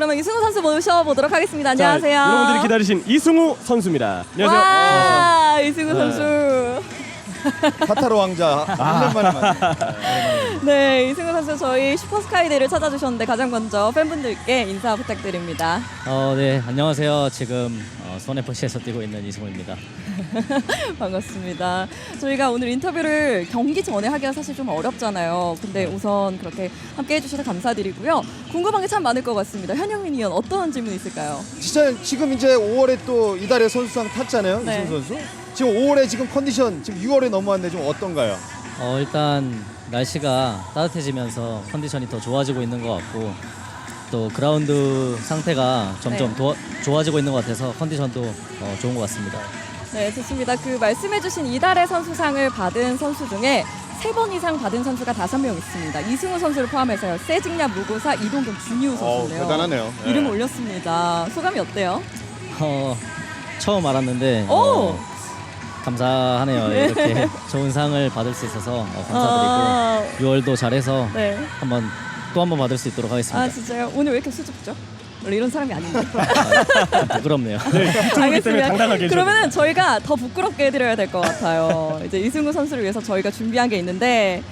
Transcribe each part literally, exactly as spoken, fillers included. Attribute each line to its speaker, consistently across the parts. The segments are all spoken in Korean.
Speaker 1: 그러면 이승우 선수 모셔보도록 하겠습니다. 안녕하세요.
Speaker 2: 자, 여러분들이 기다리신 이승우 선수입니다. 안녕하세요.
Speaker 1: 와,
Speaker 2: 어.
Speaker 1: 이승우
Speaker 2: 네.
Speaker 1: 선수.
Speaker 3: 카타르 왕자 일 년 만에 만나.
Speaker 1: 네, 이승우 선수 저희 슈퍼스카이데이를 찾아주셨는데 가장 먼저 팬분들께 인사 부탁드립니다.
Speaker 4: 어, 네, 안녕하세요. 지금 어, 수원에프씨에서 뛰고 있는 이승우입니다.
Speaker 1: 반갑습니다. 저희가 오늘 인터뷰를 경기 전에 하기가 사실 좀 어렵잖아요. 근데 우선 그렇게 함께 해주셔서 감사드리고요. 궁금한 게 참 많을 것 같습니다. 현영민 의원 어떤 질문 있을까요?
Speaker 3: 진짜 지금 이제 오월에 또 이달의 선수상 탔잖아요.
Speaker 1: 네.
Speaker 3: 이승우 선수. 지금 오월에 지금 컨디션 지금 유월에 넘어왔는데 좀 어떤가요?
Speaker 4: 어, 일단 날씨가 따뜻해지면서 컨디션이 더 좋아지고 있는 것 같고 또 그라운드 상태가 점점
Speaker 1: 네.
Speaker 4: 도와, 좋아지고 있는 것 같아서 컨디션도 어, 좋은 것 같습니다.
Speaker 1: 네, 좋습니다. 그 말씀해주신 이달의 선수상을 받은 선수 중에 세 번 이상 받은 선수가 다섯 명 있습니다. 이승우 선수를 포함해서요. 세징야 무고사 이동경 준이우 선수인데요.
Speaker 3: 대단하네요.
Speaker 1: 이름
Speaker 3: 네.
Speaker 1: 올렸습니다. 소감이 어때요?
Speaker 4: 어, 처음 알았는데
Speaker 1: 오!
Speaker 4: 어, 감사하네요. 이렇게 좋은 상을 받을 수 있어서 어, 감사드리고
Speaker 1: 아,
Speaker 4: 유월도 잘해서
Speaker 1: 네.
Speaker 4: 한번 또 한번 받을 수 있도록 하겠습니다.
Speaker 1: 아 진짜요? 오늘 왜 이렇게 수줍죠? 원래 이런 사람이 아닌데.
Speaker 4: 아, 부끄럽네요.
Speaker 2: 네, 이쪽이기 때문에 당당하게 해주셔야
Speaker 1: 그러면은
Speaker 2: 됩니다.
Speaker 1: 저희가 더 부끄럽게 해드려야 될 것 같아요. 이제 이승우 선수를 위해서 저희가 준비한 게 있는데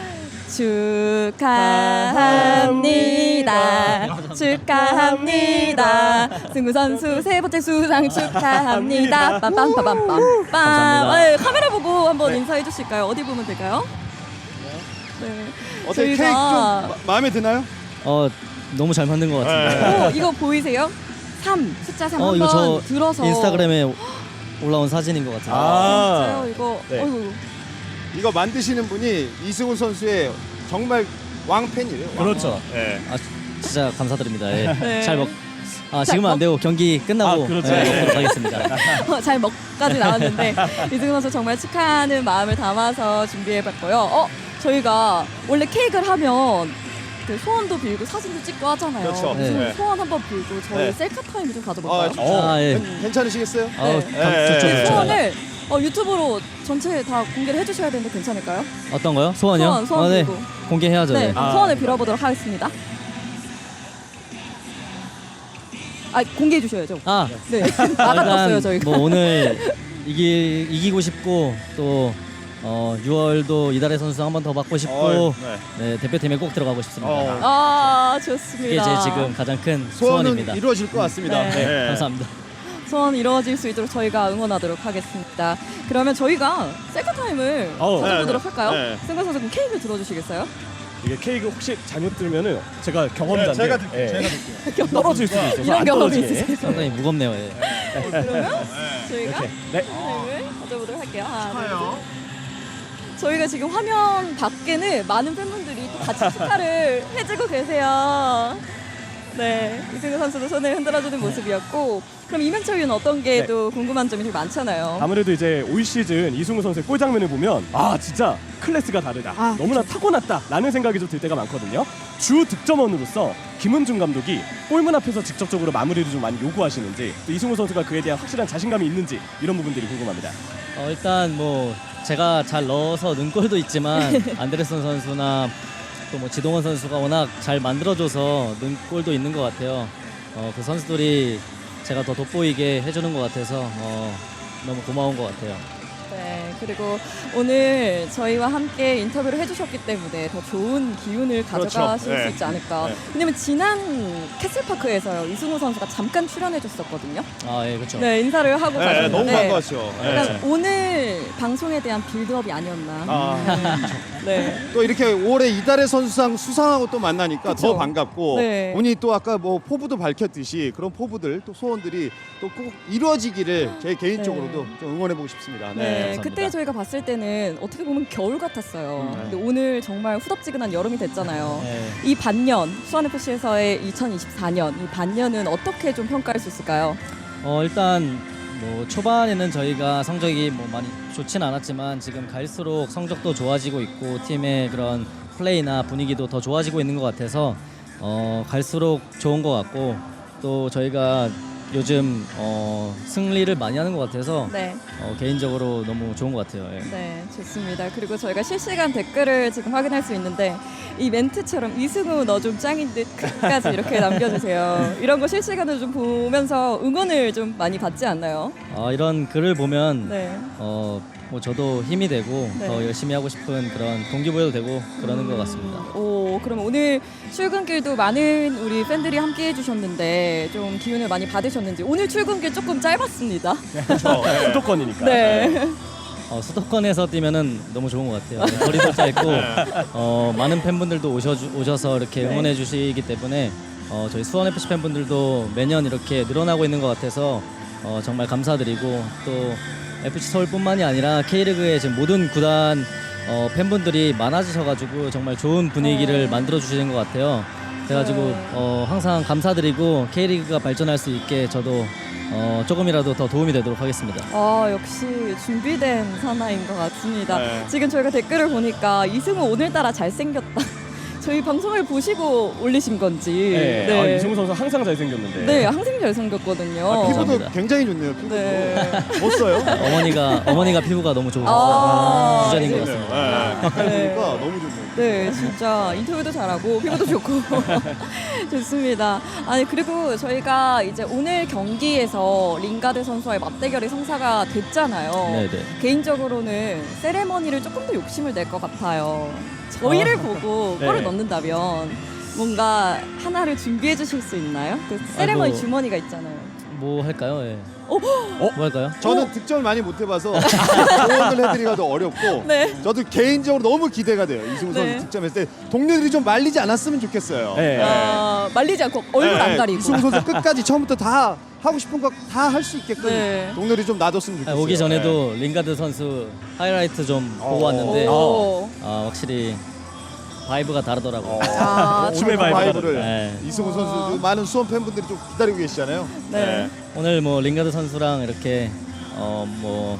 Speaker 1: 축하합니다. 축하합니다. 승우 선수 세 번째 수상 축하합니다. 빰빰빰빰빰빰.
Speaker 4: 감사합니다.
Speaker 1: 네, 카메라 보고 한번 인사해 주실까요? 어디 보면 될까요? 네.
Speaker 3: 어떻게
Speaker 1: 저희가-
Speaker 3: 케이크 좀 마, 마음에 드나요?
Speaker 4: 어, 너무 잘 만든 것 같습니다.
Speaker 1: 오, 이거 보이세요? 삼 숫자 삼
Speaker 4: 어, 이거
Speaker 1: 한번
Speaker 4: 저
Speaker 1: 들어서
Speaker 4: 인스타그램에 올라온 사진인 것 같아요.
Speaker 2: 아.
Speaker 1: 진짜요? 이거
Speaker 2: 네.
Speaker 1: 어이구.
Speaker 3: 이거 만드시는 분이 이승우 선수의 정말 왕팬이래요. 왕.
Speaker 2: 그렇죠.
Speaker 3: 네.
Speaker 4: 아, 진짜 감사드립니다. 예.
Speaker 1: 네.
Speaker 4: 잘 먹. 아, 지금은 안 되고 경기 끝나고
Speaker 2: 아, 그렇죠.
Speaker 4: 예,
Speaker 2: 네.
Speaker 4: 먹도록 하겠습니다.
Speaker 1: 어, 잘 먹까지 나왔는데 이승우 선수 정말 축하하는 마음을 담아서 준비해봤고요. 어, 저희가 원래 케이크를 하면 그 소원도 빌고 사진도 찍고 하잖아요.
Speaker 3: 그렇죠.
Speaker 1: 이승우
Speaker 3: 네.
Speaker 1: 소원 한번 빌고 저희
Speaker 3: 네.
Speaker 1: 셀카 타임을 좀
Speaker 3: 아,
Speaker 1: 가져볼까요?
Speaker 3: 좋죠.
Speaker 4: 아, 예.
Speaker 3: 괜- 괜찮으시겠어요?
Speaker 4: 아우,
Speaker 1: 네.
Speaker 4: 감-
Speaker 3: 네.
Speaker 4: 좋죠,
Speaker 3: 네.
Speaker 4: 좋죠.
Speaker 1: 소원을 어, 유튜브로 전체 다 공개를 해주셔야 되는데 괜찮을까요?
Speaker 4: 어떤 거요? 소원이요?
Speaker 1: 소원, 소원
Speaker 4: 아, 네.
Speaker 1: 빌고.
Speaker 4: 공개해야죠.
Speaker 1: 네,
Speaker 4: 네.
Speaker 2: 아.
Speaker 1: 소원을 빌어보도록 하겠습니다. 아, 공개해 주셔야죠.
Speaker 4: 아,
Speaker 1: 네, 나갔어요
Speaker 4: 일단
Speaker 1: 저희가.
Speaker 4: 뭐 오늘 이기 이기고 싶고 또 어, 유월도 이달의 선수 한 번 더 받고 싶고
Speaker 3: 어, 네.
Speaker 4: 네, 대표팀에 꼭 들어가고 싶습니다.
Speaker 3: 어.
Speaker 1: 아,
Speaker 4: 이게
Speaker 1: 좋습니다.
Speaker 4: 제 지금 가장 큰
Speaker 3: 소원은
Speaker 4: 소원입니다.
Speaker 3: 이루어질 것 같습니다.
Speaker 1: 네.
Speaker 4: 네, 감사합니다.
Speaker 1: 소원 이루어질 수 있도록 저희가 응원하도록 하겠습니다. 그러면 저희가 셀카 타임을
Speaker 2: 어우,
Speaker 1: 가져보도록
Speaker 3: 네,
Speaker 1: 할까요?
Speaker 3: 네.
Speaker 1: 승관 선수 그럼 케이크 들어주시겠어요?
Speaker 2: 이게 케이크 혹시 잘못 들면은 제가 경험자인데
Speaker 3: 네, 제가 들게요.
Speaker 2: 예,
Speaker 3: 제가 들게요.
Speaker 2: 떨어질 수도 있어서
Speaker 1: 이런
Speaker 2: 안
Speaker 1: 경험이
Speaker 2: 떨어지게.
Speaker 1: 있으세요?
Speaker 4: 상당히 무겁네요. 예.
Speaker 1: 그러면 저희가
Speaker 2: 이렇게. 네.
Speaker 1: 타임을 가져보도록 할게요. 하나, 둘, 셋. 저희가 지금 화면 밖에는 많은 팬분들이 또 같이 축하를 해주고 계세요. 네, 이승우 선수도 손을 흔들어주는 모습이었고, 그럼 이명철 위원 어떤 게
Speaker 2: 네.
Speaker 1: 또 궁금한 점이 좀 많잖아요.
Speaker 2: 아무래도 이제 올 시즌 이승우 선수의 골 장면을 보면 아 진짜 클래스가 다르다.
Speaker 1: 아,
Speaker 2: 너무나 타고났다라는 생각이 좀 들 때가 많거든요. 주 득점원으로서 김은중 감독이 골문 앞에서 직접적으로 마무리를 좀 많이 요구하시는지 또 이승우 선수가 그에 대한 확실한 자신감이 있는지 이런 부분들이 궁금합니다.
Speaker 4: 어, 일단 뭐 제가 잘 넣어서 넣은 골도 있지만 안데르슨 선수나 또 뭐 지동원 선수가 워낙 잘 만들어줘서 넣은 골도 있는 것 같아요. 어, 그 선수들이 제가 더 돋보이게 해주는 것 같아서 어, 너무 고마운 것 같아요.
Speaker 1: 네, 그리고 오늘 저희와 함께 인터뷰를 해주셨기 때문에 더 좋은 기운을
Speaker 3: 그렇죠.
Speaker 1: 가져가실
Speaker 3: 네.
Speaker 1: 수 있지 않을까.
Speaker 3: 네.
Speaker 1: 왜냐면 지난 캐슬파크에서요, 이승우 선수가 잠깐 출연해줬었거든요.
Speaker 4: 아, 예, 그렇죠.
Speaker 1: 네, 인사를 하고
Speaker 3: 네,
Speaker 1: 가셨는데
Speaker 3: 너무 반가웠죠.
Speaker 1: 약간
Speaker 3: 네.
Speaker 1: 오늘 방송에 대한 빌드업이 아니었나.
Speaker 3: 아,
Speaker 1: 네.
Speaker 3: 또 이렇게 올해 이달의 선수상 수상하고 또 만나니까
Speaker 1: 그쵸.
Speaker 3: 더 반갑고
Speaker 1: 네.
Speaker 3: 본인이 또 아까 뭐 포부도 밝혔듯이 그런 포부들 또 소원들이 또 꼭 이루어지기를 제 개인적으로도
Speaker 1: 네.
Speaker 3: 좀 응원해보고 싶습니다.
Speaker 1: 네,
Speaker 3: 네.
Speaker 4: 감사합니다.
Speaker 1: 그때 저희가 봤을 때는 어떻게 보면 겨울 같았어요.
Speaker 3: 음, 네.
Speaker 1: 근데 오늘 정말 후덥지근한 여름이 됐잖아요.
Speaker 4: 네.
Speaker 1: 이 반년, 수원에프씨에서의 이천이십사 년, 이 반년은 어떻게 좀 평가할 수 있을까요?
Speaker 4: 어, 일단 뭐 초반에는 저희가 성적이 뭐 많이 좋진 않았지만 지금 갈수록 성적도 좋아지고 있고 팀의 그런 플레이나 분위기도 더 좋아지고 있는 것 같아서 어, 갈수록 좋은 것 같고 또 저희가 요즘 어, 승리를 많이 하는 것 같아서
Speaker 1: 네.
Speaker 4: 어, 개인적으로 너무 좋은 것 같아요. 예.
Speaker 1: 네, 좋습니다. 그리고 저희가 실시간 댓글을 지금 확인할 수 있는데 이 멘트처럼 이승우 너 좀 짱인 듯까지 이렇게 남겨주세요. 이런 거 실시간으로 좀 보면서 응원을 좀 많이 받지 않나요?
Speaker 4: 어, 이런 글을 보면
Speaker 1: 네.
Speaker 4: 어, 뭐 저도 힘이 되고
Speaker 1: 네.
Speaker 4: 더 열심히 하고 싶은 그런 동기부여도 되고 그러는 것 같습니다.
Speaker 1: 오, 그럼 오늘 출근길도 많은 우리 팬들이 함께 해주셨는데 좀 기운을 많이 받으셨는지 오늘 출근길 조금 짧았습니다.
Speaker 2: 그렇죠. 수도권이니까.
Speaker 1: 네.
Speaker 4: 어, 수도권에서 뛰면은 너무 좋은 것 같아요. 거리도 짧고 어, 많은 팬분들도 오셔 오셔서 이렇게
Speaker 1: 네.
Speaker 4: 응원해 주시기 때문에 어, 저희 수원 에프씨 팬분들도 매년 이렇게 늘어나고 있는 것 같아서 어, 정말 감사드리고 또 에프씨 서울뿐만이 아니라 K리그의 지금 모든 구단 어, 팬분들이 많아지셔가지고 정말 좋은 분위기를
Speaker 1: 어.
Speaker 4: 만들어 주시는 것 같아요. 그래가지고
Speaker 1: 네.
Speaker 4: 어, 항상 감사드리고 K리그가 발전할 수 있게 저도 어, 조금이라도 더 도움이 되도록 하겠습니다.
Speaker 1: 아, 역시 준비된 사나인 것 같습니다.
Speaker 3: 네.
Speaker 1: 지금 저희가 댓글을 보니까 이승우 오늘따라 잘생겼다. 저희 방송을 보시고 올리신 건지.
Speaker 2: 네. 아, 이승우 선수 항상 잘생겼는데.
Speaker 1: 네, 항상 잘생겼거든요.
Speaker 3: 아, 피부도
Speaker 4: 감사합니다.
Speaker 3: 굉장히 좋네요. 피부도
Speaker 1: 네.
Speaker 3: 멋져요.
Speaker 4: 어머니가 어머니가 피부가 너무 좋으셔서
Speaker 1: 아,
Speaker 4: 유전인 것
Speaker 1: 네.
Speaker 4: 같습니다.
Speaker 3: 네. 가까이
Speaker 1: 네.
Speaker 3: 보니까 너무 좋네요.
Speaker 1: 네, 진짜 인터뷰도 잘하고 피부도 좋고 좋습니다. 아니 그리고 저희가 이제 오늘 경기에서 링가드 선수와의 맞대결이 성사가 됐잖아요.
Speaker 4: 네네.
Speaker 1: 개인적으로는 세레머니를 조금 더 욕심을 낼 것 같아요. 저희를 보고
Speaker 2: 네.
Speaker 1: 골을 넣는다면 뭔가 하나를 준비해 주실 수 있나요? 그 세레머니
Speaker 4: 아이고.
Speaker 1: 주머니가 있잖아요.
Speaker 4: 뭐 할까요? 예.
Speaker 1: 어?
Speaker 4: 뭐 할까요?
Speaker 3: 저는 득점을 많이 못 해봐서 조언을 해드리기가 더 어렵고
Speaker 1: 네.
Speaker 3: 저도 개인적으로 너무 기대가 돼요. 이승우 선수
Speaker 1: 네.
Speaker 3: 득점했을 때 동료들이 좀 말리지 않았으면 좋겠어요.
Speaker 2: 네.
Speaker 1: 아, 말리지 않고 얼굴
Speaker 3: 네,
Speaker 1: 안 가리고.
Speaker 3: 이승우 선수 끝까지 처음부터 다 하고 싶은 거 다 할 수 있게끔
Speaker 1: 네.
Speaker 3: 동료들이 좀 놔뒀으면
Speaker 4: 아,
Speaker 3: 좋겠어요.
Speaker 4: 오기 전에도 링가드 선수 하이라이트 좀
Speaker 3: 어.
Speaker 4: 보고 왔는데
Speaker 1: 오.
Speaker 4: 아, 확실히 바이브가 다르더라고요.
Speaker 1: 아,
Speaker 2: 춤의
Speaker 3: 그
Speaker 2: 바이브가
Speaker 3: 바이브를
Speaker 4: 네.
Speaker 3: 이승우 선수
Speaker 1: 어.
Speaker 3: 많은 수원 팬분들이 좀 기다리고 계시잖아요.
Speaker 1: 네.
Speaker 4: 오늘 뭐 링가드 선수랑 이렇게 어 뭐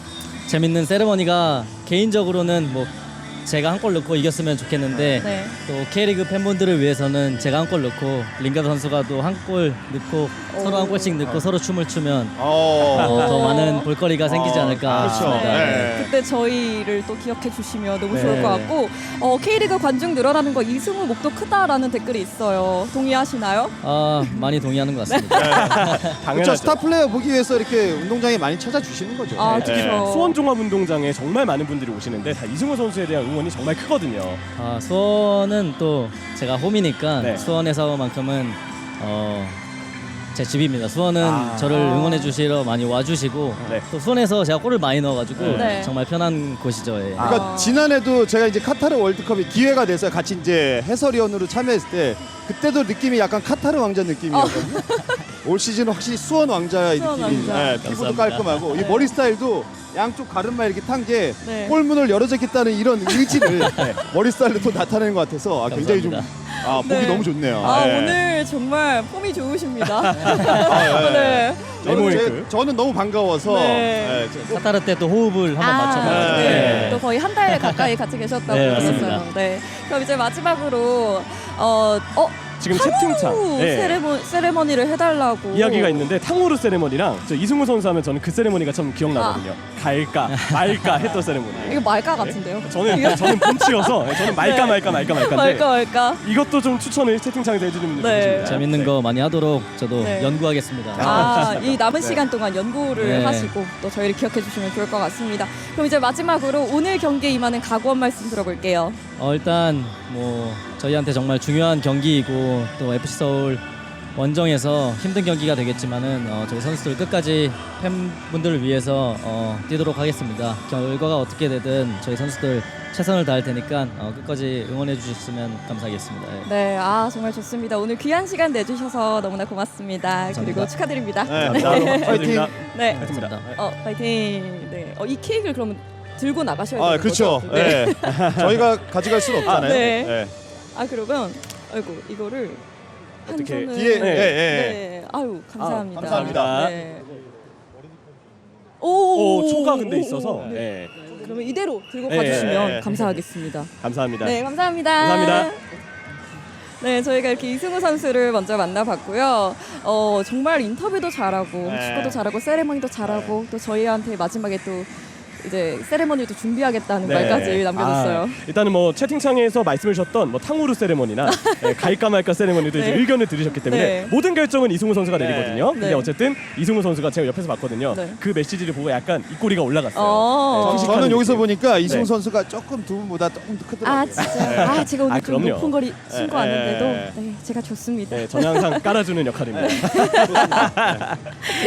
Speaker 4: 재밌는 세레머니가 개인적으로는 뭐 제가 한 골 넣고 이겼으면 좋겠는데
Speaker 1: 네.
Speaker 4: 또 K리그 팬분들을 위해서는 제가 한 골 넣고 링가드 선수가 또 한 골 넣고
Speaker 1: 오.
Speaker 4: 서로 한 골씩 넣고 서로 춤을 추면
Speaker 3: 어.
Speaker 4: 어, 더 많은 볼거리가 생기지
Speaker 3: 어,
Speaker 4: 않을까
Speaker 3: 그렇죠.
Speaker 4: 싶습니다.
Speaker 3: 네.
Speaker 1: 그때 저희를 또 기억해 주시면 너무
Speaker 4: 네.
Speaker 1: 좋을 것 같고 어, K리그 관중 늘어나는 거 이승우 목도 크다라는 댓글이 있어요. 동의하시나요?
Speaker 4: 아, 많이 동의하는 것 같습니다.
Speaker 3: 그렇죠.
Speaker 2: 당연하죠.
Speaker 3: 스타 플레이어 보기 위해서 이렇게 운동장에 많이 찾아주시는 거죠.
Speaker 1: 아,
Speaker 2: 네.
Speaker 1: 그렇죠.
Speaker 2: 수원 종합운동장에 정말 많은 분들이 오시는데 다 이승우 선수에 대한 응원이 정말 크거든요.
Speaker 4: 아, 수원은 또 제가 홈이니까
Speaker 2: 네.
Speaker 4: 수원에서만큼은 어, 제 집입니다. 수원은
Speaker 2: 아.
Speaker 4: 저를 응원해 주시러 많이 와주시고
Speaker 2: 네.
Speaker 4: 또 수원에서 제가 골을 많이 넣어가지고
Speaker 1: 네.
Speaker 4: 정말 편한 곳이죠. 예.
Speaker 2: 아.
Speaker 3: 그러니까
Speaker 1: 아.
Speaker 3: 지난해도 제가 이제 카타르 월드컵이 기회가 돼서 같이 이제 해설위원으로 참여했을 때 그때도 느낌이 약간 카타르 왕자 느낌이었거든요. 올 시즌은 확실히 수원 왕자의
Speaker 1: 수원
Speaker 3: 느낌이.
Speaker 1: 왕자.
Speaker 3: 네, 피부도
Speaker 4: 감사합니다.
Speaker 3: 깔끔하고 이 머리 스타일도 양쪽 가르마 이렇게 탄 게
Speaker 1: 네.
Speaker 3: 골문을 열어줬겠다는 이런 의지를 머리 스타일로 또 나타내는 것 같아서 아, 굉장히 좀
Speaker 4: 감사합니다.
Speaker 3: 아, 보기
Speaker 1: 네.
Speaker 3: 너무 좋네요.
Speaker 1: 아,
Speaker 3: 네.
Speaker 1: 오늘 정말 폼이 좋으십니다.
Speaker 3: 아, 네.
Speaker 1: 네.
Speaker 3: 저는, 제,
Speaker 2: 메모잉크.
Speaker 3: 저는 너무 반가워서
Speaker 1: 네.
Speaker 3: 네, 저-
Speaker 4: 카타르 때 또 호흡을 한번 맞춰봐요.
Speaker 1: 네.
Speaker 3: 네.
Speaker 1: 또 거의 한 달 가까이 같이 계셨다고
Speaker 4: 네,
Speaker 1: 들었어요.
Speaker 4: 맞습니다.
Speaker 1: 네. 그럼 이제 마지막으로 어, 어
Speaker 2: 지금
Speaker 1: 탕후
Speaker 2: 채팅창 네.
Speaker 1: 세레모, 세레머니를 해달라고
Speaker 2: 이야기가 있는데 탕후루 세레머니랑 저 이승우 선수 하면 저는 그 세레머니가 참 기억나거든요. 갈까 말까 했던 세레머니.
Speaker 1: 이거 말까 같은데요?
Speaker 2: 저는 저는 봄치여서 저는 말까
Speaker 1: 네.
Speaker 2: 말까 말까 말까인데
Speaker 1: 말까 말까.
Speaker 2: 이것도 좀 추천을 채팅창에서 해주는 분들
Speaker 1: 네.
Speaker 2: 계십니다.
Speaker 4: 재밌는 거 많이 하도록 저도
Speaker 1: 네.
Speaker 4: 연구하겠습니다.
Speaker 1: 아, 이 남은
Speaker 3: 네.
Speaker 1: 시간 동안 연구를
Speaker 4: 네.
Speaker 1: 하시고 또 저희를 기억해 주시면 좋을 것 같습니다. 그럼 이제 마지막으로 오늘 경기에 임하는 각오 한 말씀 들어볼게요.
Speaker 4: 어, 일단 뭐 저희한테 정말 중요한 경기이고 또 에프씨 서울 원정에서 힘든 경기가 되겠지만은 어, 저희 선수들 끝까지 팬분들을 위해서 어, 뛰도록 하겠습니다. 결과가 어떻게 되든 저희 선수들 최선을 다할 테니까 어, 끝까지 응원해 주셨으면 감사하겠습니다. 예.
Speaker 1: 네, 아 정말 좋습니다. 오늘 귀한 시간 내주셔서 너무나 고맙습니다. 그리고 축하드립니다.
Speaker 3: 네,
Speaker 2: 감사합니다.
Speaker 3: 파이팅.
Speaker 1: 네,
Speaker 2: 감사합니다.
Speaker 1: 어 파이팅. 네, 어, 이 케이크를 그러면 들고 나가셔야
Speaker 3: 아,
Speaker 1: 되는
Speaker 3: 그렇죠.
Speaker 1: 거죠? 네.
Speaker 3: 네. 저희가 가져갈 수는 없잖아요.
Speaker 1: 아, 네.
Speaker 3: 네.
Speaker 1: 아 그러면 아이고 이거를 한
Speaker 2: 어떻게
Speaker 1: 손은
Speaker 3: 뒤에,
Speaker 2: 네.
Speaker 3: 예, 예.
Speaker 1: 네, 아유 감사합니다.
Speaker 3: 아, 감사합니다.
Speaker 1: 네. 오,
Speaker 2: 오, 초가 근데
Speaker 1: 오,
Speaker 2: 있어서
Speaker 1: 오, 네.
Speaker 2: 네.
Speaker 1: 그러면 이대로 들고
Speaker 2: 네,
Speaker 1: 가주시면
Speaker 3: 네, 네.
Speaker 1: 감사하겠습니다.
Speaker 2: 감사합니다.
Speaker 1: 네, 감사합니다.
Speaker 2: 감사합니다.
Speaker 1: 네, 저희가 이렇게 이승우 선수를 먼저 만나봤고요. 어, 정말 인터뷰도 잘하고
Speaker 3: 네.
Speaker 1: 축구도 잘하고 세레머니도 잘하고 또 저희한테 마지막에 또 이제 세레머니도 준비하겠다는
Speaker 2: 네.
Speaker 1: 말까지 남겨줬어요.
Speaker 2: 아, 일단은 뭐 채팅창에서 말씀해 주셨던 뭐 탕후루 세레머니나 네, 갈까 말까 세레머니도 이제
Speaker 1: 네.
Speaker 2: 의견을 들으셨기 때문에
Speaker 1: 네.
Speaker 2: 모든 결정은 이승우 선수가
Speaker 3: 네.
Speaker 2: 내리거든요. 근데
Speaker 1: 네.
Speaker 2: 어쨌든 이승우 선수가 제가 옆에서 봤거든요.
Speaker 1: 네.
Speaker 2: 그 메시지를 보고 약간 입꼬리가 올라갔어요.
Speaker 1: 어.
Speaker 2: 네,
Speaker 3: 저는
Speaker 2: 회식하는
Speaker 3: 여기서
Speaker 2: 느낌.
Speaker 3: 보니까 이승우
Speaker 2: 네.
Speaker 3: 선수가 조금 두 분보다 조금 더 크더라고요.
Speaker 1: 아 진짜요? 아 제가 오늘
Speaker 2: 아,
Speaker 1: 좀
Speaker 2: 그럼요.
Speaker 1: 높은 거리 신고
Speaker 3: 네.
Speaker 1: 왔는데도 네, 제가 좋습니다.
Speaker 2: 네, 저는 항상 깔아주는 역할입니다.